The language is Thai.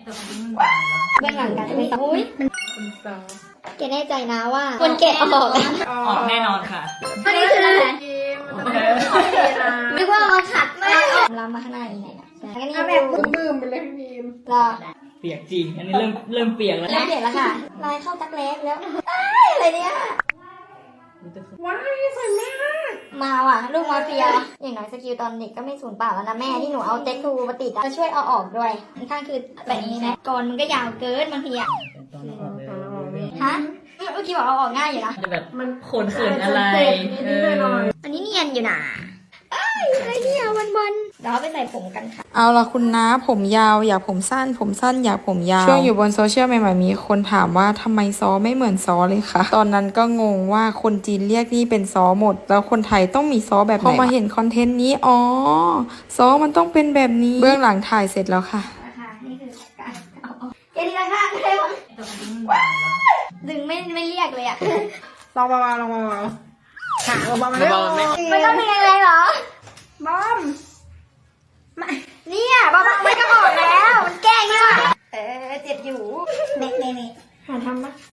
แต่คนนี้มันบางแล้วเบื้องหลังการจะไม่ต้องอุ้ยคุณซอแกแน่ใจนะว่าคนแกะออกออกแน่นอนค่ะอันนี้คืออะไรนึกว่าเราขัดมากล้ำมาข้างหน้าอีกไหนนะแล้วก็นี่เอาแบบบึ้มๆไปเลยพี่บีมรอเปียกจริง อันนี้เริ่มเปียกแล้วเริ่มเปลี่ยนแล้วค่ะลายเข้าตักเล็กแล้วอะไรเนี่ยว้าวสวยมากมาว่ะลูกมาเฟียอย่างน้อยสกิลตอนเด็กก็ไม่สูญเปล่าแล้วนะแม่ที่หนูเอาเต็กทูมาติดจะช่วยเอาออกด้วยข้างคือแบบนี้นะก่อนมันก็ยาวเกินบางทีอะตอนออกเลยฮะเมื่อกี้บอกเอาออกง่ายอยู่นะจะแบบขนเขินอะไรอันนี้เนียนอยู่นะเอ้ยอะไรเนี่ยวันๆเดี๋ยวเอาไปใส่ผมกันค่ะเอาล่ะคุณน้าผมยาวอยากผมสั้น ผมสั้นอยากผมยาวช่วงอยู่บนโซเชียลใหม่ๆมีคนถามว่าทำไมซอไม่เหมือนซอเลยคะตอนนั้นก็งงว่าคนจีนเรียกนี่เป็นซอหมด แล้วคนไทยต้องมีซอแบบไหนพอมาเห็นคอนเทนต์นี้อ๋อซอมันต้องเป็นแบบนี้เบื้องหลังถ่ายเสร็จแล้วค่ะนะคะนี่คือการเอาออกแกดีละค่ะได้ปะแต่คนนี้มันบางแล้วดึงไม่เรียกเลยอะลองเบาๆลองเบาๆขาเบาๆมาเลยไม่ต้องเป็นอะไรเหรอบอมเนี่ยบ้าๆมันก็ออกแล้วมันแกล้งเนี่ยเจ็บอยู่เน่หาทำปะ